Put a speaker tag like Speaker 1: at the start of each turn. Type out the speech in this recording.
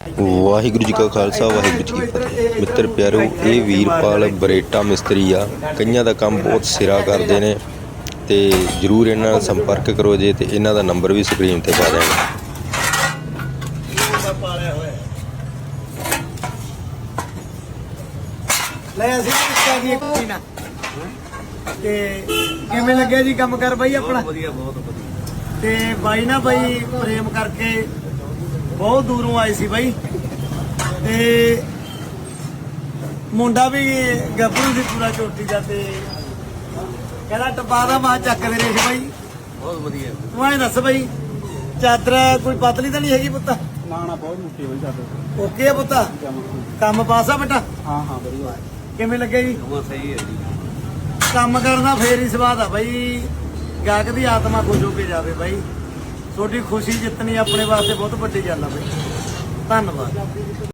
Speaker 1: ਵਾਹਿਗੁਰੂ ਜੀ ਕਾ ਖਾਲਸਾ ਵਾਹਿਗੁਰੂ ਜੀ ਕੀ ਫਤਿਹ। ਮਿੱਤਰ ਪਿਆਰੋ, ਇਹ ਵੀਰਪਾਲ ਬਰੇਟਾ ਮਿਸਤਰੀ ਆ। ਕਈਆਂ ਦਾ ਕੰਮ ਬਹੁਤ ਸਿਰਾ ਕਰਦੇ ਨੇ ਤੇ ਜਰੂਰ ਇਹਨਾਂ ਨਾਲ ਸੰਪਰਕ ਕਰੋ ਜੇ, ਤੇ ਇਹਨਾਂ ਦਾ ਨੰਬਰ ਵੀ ਸਕਰੀਨ ਤੇ ਪਾ ਦਿਆਂਗੇ।
Speaker 2: ਲੈ ਅਸੀਂ ਕਿੱਥੇ ਦੀ ਕੋਈ ਨਾ ਤੇ ਕਿਵੇਂ ਲੱਗਿਆ ਜੀ ਕੰਮ ਕਰ ਬਾਈ ਆਪਣਾ?
Speaker 3: ਵਧੀਆ, ਬਹੁਤ ਵਧੀਆ।
Speaker 2: ਤੇ ਬਾਈ ਨਾ ਬਾਈ ਪ੍ਰੇਮ ਕਰਕੇ ਬਹੁਤ ਦੂਰੋਂ ਆਏ ਸੀ ਬਾਈ, ਤੇ ਮੁੰਡਾ ਵੀ ਗੱਭਰੂ ਸੀ ਪੂਰਾ ਚੋਟੀ ਦਾ, ਤੇ ਕਹਿੰਦਾ ਟਪਾ ਦਾ ਮਾਂ ਚੱਕ ਦੇ ਰੇਸ਼ ਬਾਈ।
Speaker 3: ਬਹੁਤ ਵਧੀਆ।
Speaker 2: ਤੂੰ ਐਂ ਦੱਸ ਬਾਈ, ਚਾਦਰ ਕੋਈ ਪਤਲੀ ਤਾਂ ਨਹੀਂ ਹੈਗੀ ਪੁੱਤ?
Speaker 4: ਨਾ ਨਾ, ਬਹੁਤ ਮੁੱਠੀ ਬਈ ਚਾਦਰ।
Speaker 2: ਓਕੇ ਆ ਪੁੱਤ, ਕੰਮ ਪਾਸਾ ਬੇਟਾ?
Speaker 4: ਹਾਂ ਹਾਂ, ਵਧੀਆ।
Speaker 2: ਕਿਵੇਂ ਲੱਗਿਆ ਜੀ?
Speaker 3: ਬਹੁਤ ਸਹੀ ਹੈ ਜੀ।
Speaker 2: ਕੰਮ ਕਰਨਾ ਫੇਰ ਹੀ ਸਵਾਦ ਆ ਬਾਈ, ਗਾਹਕ ਦੀ ਆਤਮਾ ਖੁਸ਼ ਹੋ ਕੇ ਜਾਵੇ ਬਾਈ। ਤੁਹਾਡੀ ਖੁਸ਼ੀ ਜਿੱਤਣੀ ਆਪਣੇ ਵਾਸਤੇ ਬਹੁਤ ਵੱਡੀ ਗੱਲ ਆ ਬਾਈ। ਧੰਨਵਾਦ।